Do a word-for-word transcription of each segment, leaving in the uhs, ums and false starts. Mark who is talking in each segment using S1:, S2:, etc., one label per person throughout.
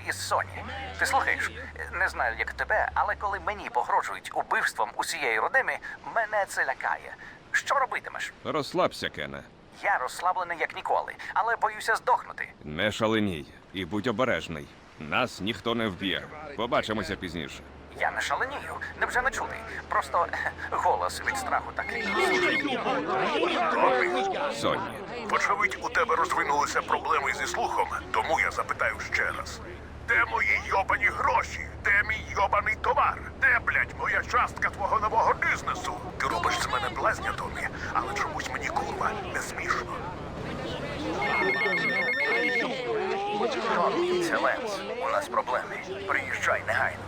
S1: із Соні. Ти слухаєш? Не знаю, як тебе, але коли мені погрожують убивством усієї родини, мене це лякає. Що робитимеш?
S2: Розслабся, Кене.
S1: Я розслаблений як ніколи, але боюся здохнути.
S2: Не шаленій і будь обережний. Нас ніхто не вб'є. Побачимося пізніше.
S1: Я не шаленію. Невже не чути? Просто голос від страху такий.
S2: Сонні.
S3: Вочевидь, у тебе розвинулися проблеми зі слухом, тому я запитаю ще раз. Де мої йобані гроші? Де мій йобаний товар? Де, блядь, моя частка твого нового бізнесу? Ти робиш з мене блазня, Томі, але чомусь мені, курва, не смішно.
S1: Томмі, це Ленс. У нас проблеми. Приїжджай негайно.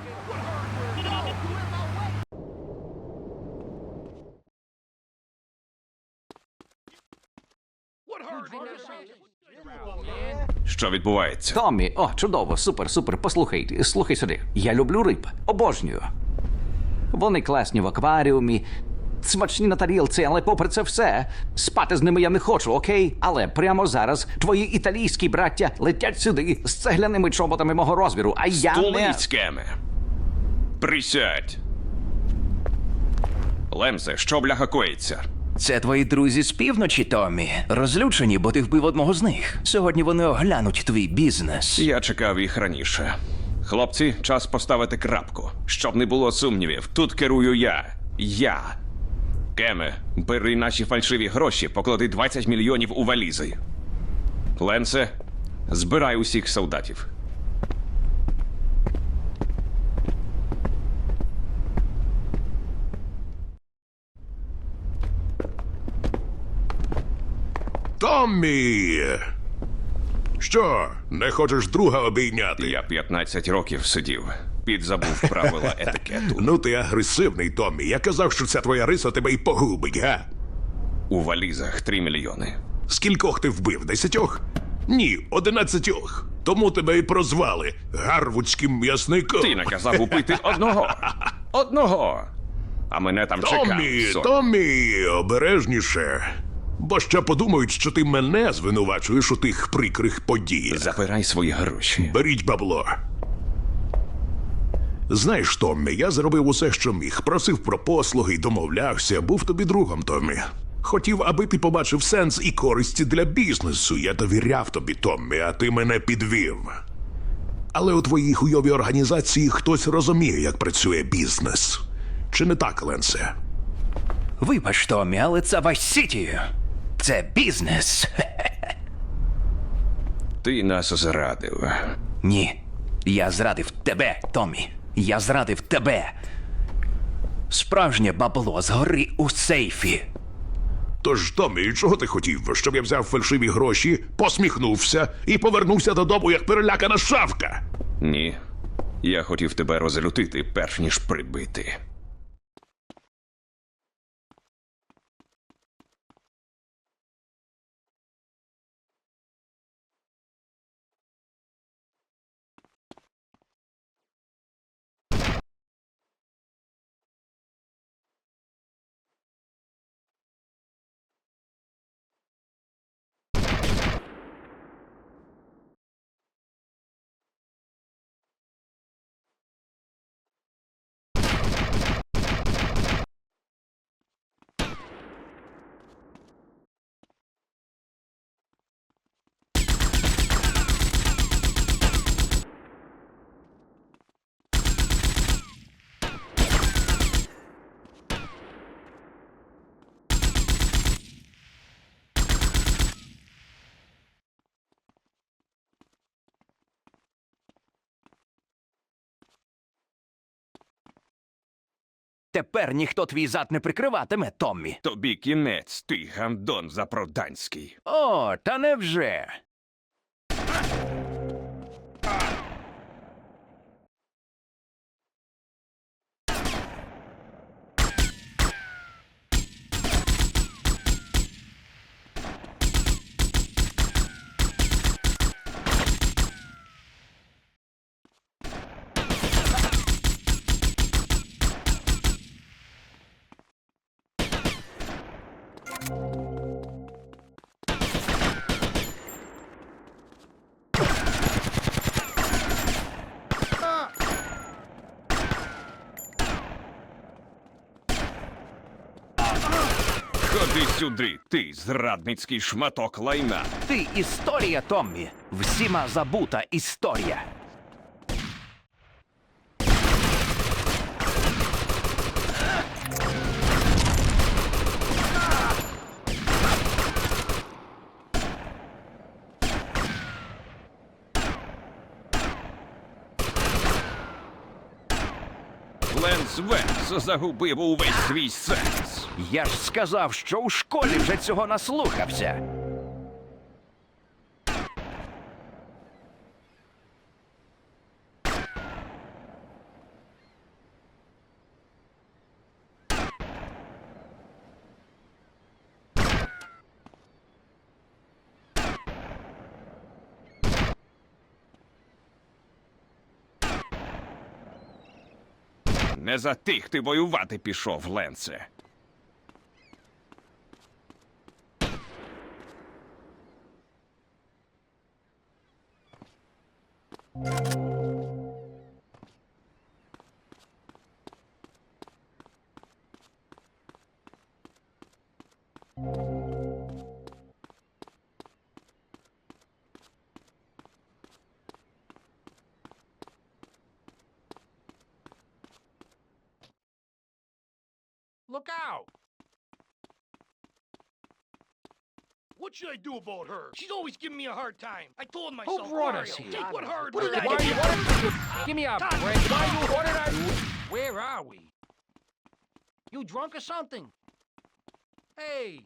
S2: Що відбувається?
S4: Томмі, о, чудово, супер, супер. Послухай, слухай сюди. Я люблю риб. Обожнюю. Вони класні в акваріумі, смачні на тарілці, але попри це все, спати з ними я не хочу, окей? Але прямо зараз твої італійські браття летять сюди з цегляними чоботами мого розміру, а я не...
S2: Стулиць, Кене. Присядь. Лемсе, що бляха коїться?
S5: Це твої друзі з півночі, Томмі. Розлючені, бо ти вбив одного з них. Сьогодні вони оглянуть твій бізнес.
S2: Я чекав їх раніше. Хлопці, час поставити крапку. Щоб не було сумнівів, тут керую я. Я. Кеме, бери наші фальшиві гроші, поклади двадцять мільйонів у валізи. Ленсе, збирай усіх солдатів.
S3: Томмі! Що, не хочеш друга обійняти?
S2: Я п'ятнадцять років сидів. Підзабув правила етикету.
S3: Ну ти агресивний, Томмі. Я казав, що ця твоя риса тебе й погубить, га?
S2: У валізах три мільйони.
S3: Скількох ти вбив? Десятьох? Ні, одинадцятьох. Тому тебе і прозвали гарвудським м'ясником.
S2: Ти наказав убити одного. Одного. А мене там
S3: Томмі,
S2: чекав. Сонь.
S3: Томмі, обережніше. Бо ще подумають, що ти мене звинувачуєш у тих прикрих подіях.
S2: Забирай свої гроші.
S3: Беріть бабло. Знаєш, Томмі, я зробив усе, що міг. Просив про послуги, домовлявся, був тобі другом, Томмі. Хотів, аби ти побачив сенс і користі для бізнесу. Я довіряв тобі, Томмі, а ти мене підвів. Але у твоїй хуйовій організації хтось розуміє, як працює бізнес. Чи не так, Ленсе?
S5: Вибач, Томмі, але це Вайс-Сіті. Це бізнес.
S2: Ти нас зрадив.
S5: Ні. Я зрадив тебе, Томмі. Я зрадив тебе. Справжнє бабло згори у сейфі.
S3: Тож, Томмі, чого ти хотів? Щоб я взяв фальшиві гроші, посміхнувся і повернувся додому, як перелякана шавка?
S2: Ні. Я хотів тебе розлютити, перш ніж прибити.
S5: Тепер ніхто твій зад не прикриватиме, Томмі.
S2: Тобі кінець, ти гандон запроданський.
S5: О, та невже?
S2: сюди, ти зрадницький шматок лайна.
S5: Ти історія, Томмі. Всіма забута історія.
S2: Ленс Венс загубив увесь свій сенс.
S5: Я ж сказав, що у школі вже цього наслухався.
S2: Не за тих ти воювати пішов, Ленсе.
S6: Look out! What should I do about her? She's always giving me a hard time. I told myself,
S7: brought
S6: Mario,
S7: us here?
S6: take what hurt.
S7: What
S6: What
S7: did
S6: did
S7: I
S6: I
S7: do?
S6: do?
S7: Give me a
S6: Tom,
S7: break.
S6: why you-
S7: What did I do? Where are we? You drunk or something? Hey,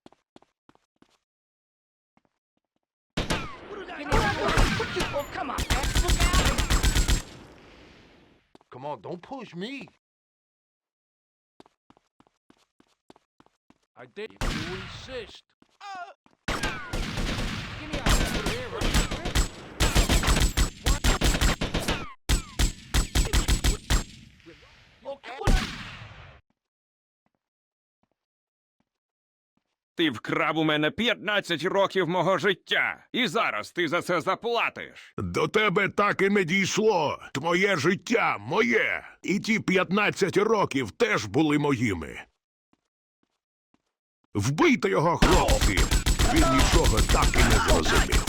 S6: What did I
S7: Give
S6: do?
S7: me a-
S6: What you- Oh, come on, man. Look out!
S8: Come on, don't push me.
S7: I did. If you insist. Give me a here.
S6: Okay, what I-
S2: Ти вкрав у мене п'ятнадцять років мого життя. І зараз ти за це заплатиш.
S3: До тебе так і не дійшло. Твоє життя моє. І ті п'ятнадцять років теж були моїми. Вбийте його, хлопці! Він нічого так і не зрозумів.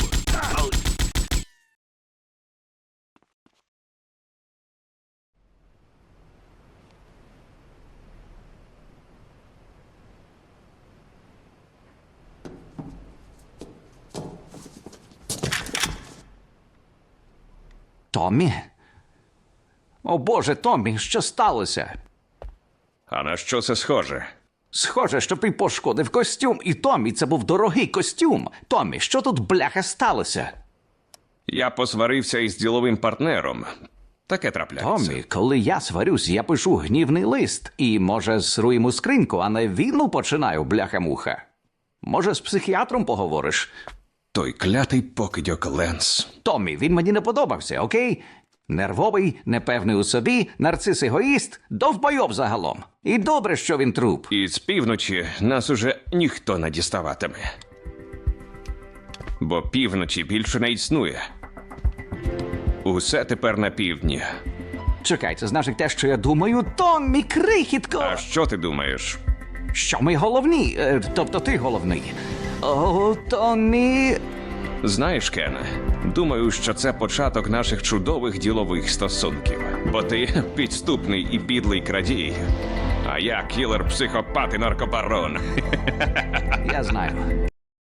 S4: Томмі? О Боже, Томмі, що сталося?
S2: А на що це схоже?
S4: Схоже, що ти пошкодив костюм, і Томмі, це був дорогий костюм. Томмі, що тут бляха сталося?
S2: Я посварився із діловим партнером. Таке трапляється.
S4: Томмі, коли я сварюсь, я пишу гнівний лист. І, може, сру йому скриньку, а не війну починаю, бляха-муха. Може, з психіатром поговориш?
S2: Той клятий покидьок Ленс.
S4: Томмі, він мені не подобався, окей? Нервовий, непевний у собі, нарцис-егоїст, довбойоб загалом. І добре, що він труп.
S2: І з півночі нас уже ніхто не діставатиме. Бо півночі більше не існує. Усе тепер на півдні.
S4: Чекай, це значить те, що я думаю, Томмі, крихітко!
S2: А що ти думаєш?
S4: Що ми головні? Е, тобто ти головний. О, Томмі...
S2: Знаєш, Кене, думаю, що це початок наших чудових ділових стосунків. Бо ти підступний і підлий крадій. А я кілер, психопат і наркобарон.
S4: Я знаю.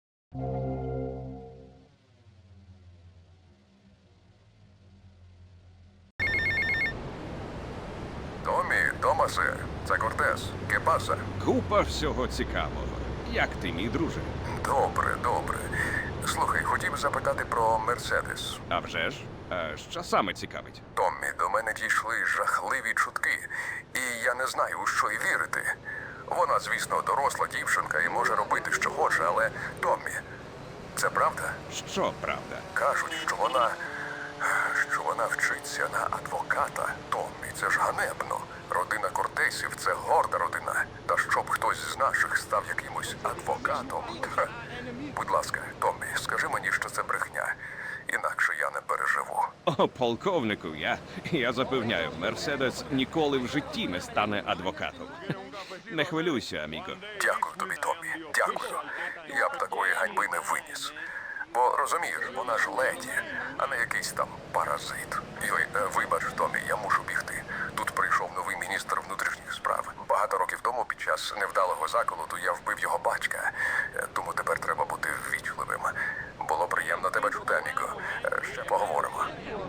S9: Томі, Томасе, це Кортес. Кепаса.
S2: Купа всього цікавого. Як ти, мій друже?
S9: Добре, добре. Слухай, хотів запитати про Мерседес.
S2: А вже ж? А що саме цікавить?
S9: Томмі, до мене дійшли жахливі чутки, і я не знаю, у що й вірити. Вона, звісно, доросла дівчинка і може робити, що хоче, але Томмі, це правда?
S2: Що правда?
S9: Кажуть, що вона. що вона вчиться на адвоката. Томмі, це ж ганебно. Родина Кортесів це горда родина. Та щоб хтось з наших став якимось адвокатом. Ха. Будь ласка, Томмі, скажи мені, що це брехня. Інакше я не переживу.
S2: О, полковнику, я, я запевняю, Мерседес ніколи в житті не стане адвокатом. Не хвилюйся, аміго.
S9: Дякую тобі, Томмі. Дякую. Я б такої ганьби не виніс. Бо розумієш, вона ж леді, а не якийсь там паразит. Йой, е, вибач, Томі, я мушу бігти. Тут прийшов новий міністр внутрішніх справ. Багато років тому, під час невдалого заколоту, я вбив його батька. Е, Тому тепер треба бути ввічливим. Було приємно тебе чути, Аміго. Е, Ще поговоримо.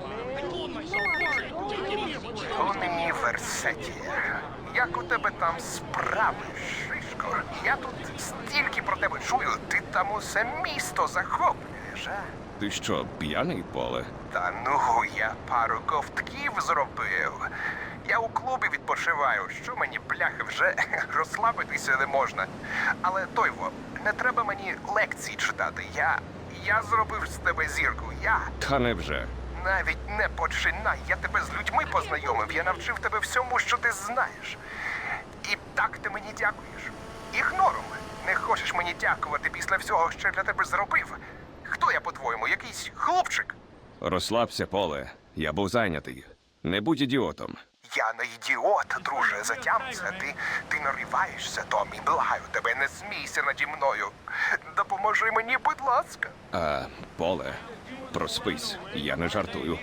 S1: Томі Версеті, як у тебе там справи, Шишко? Я тут стільки про тебе чую, ти там усе місто захоплюєш, а?
S2: Ти що, п'яний, Поле?
S1: Та ну, я пару ковтків зробив. Я у клубі відпочиваю, що мені, бляхи, вже розслабитися не можна. Але, Тойво, не треба мені лекції читати. Я... я зробив з тебе зірку, я...
S2: Та невже.
S1: Навіть не починай, я тебе з людьми познайомив, я навчив тебе всьому, що ти знаєш. І так ти мені дякуєш. Ігнором. Не хочеш мені дякувати після всього, що я для тебе зробив? Хто я, по-твоєму, якийсь хлопчик?
S2: Розслабся, Поле. Я був зайнятий. Не будь ідіотом.
S1: Я не ідіот, друже, затямся. Ти, ти нариваєшся, Томі, благаю тебе, не смійся наді мною. Допоможи мені, будь ласка.
S2: А, Поле, проспись. Я не жартую.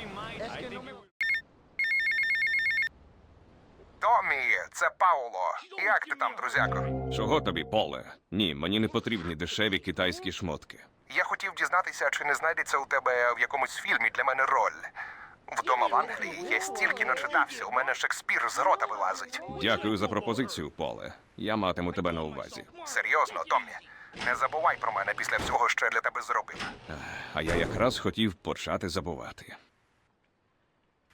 S1: Томі, це Пауло. Як ти там, друзяко?
S2: Чого тобі, Поле? Ні, мені не потрібні дешеві китайські шмотки.
S1: Я хотів дізнатися, чи не знайдеться у тебе в якомусь фільмі для мене роль. Вдома в Англії я стільки начитався, у мене Шекспір з рота вилазить.
S2: Дякую за пропозицію, Поле. Я матиму тебе на увазі.
S1: Серйозно, Томі, не забувай про мене після всього, що я для тебе зробив.
S2: А я якраз хотів почати забувати.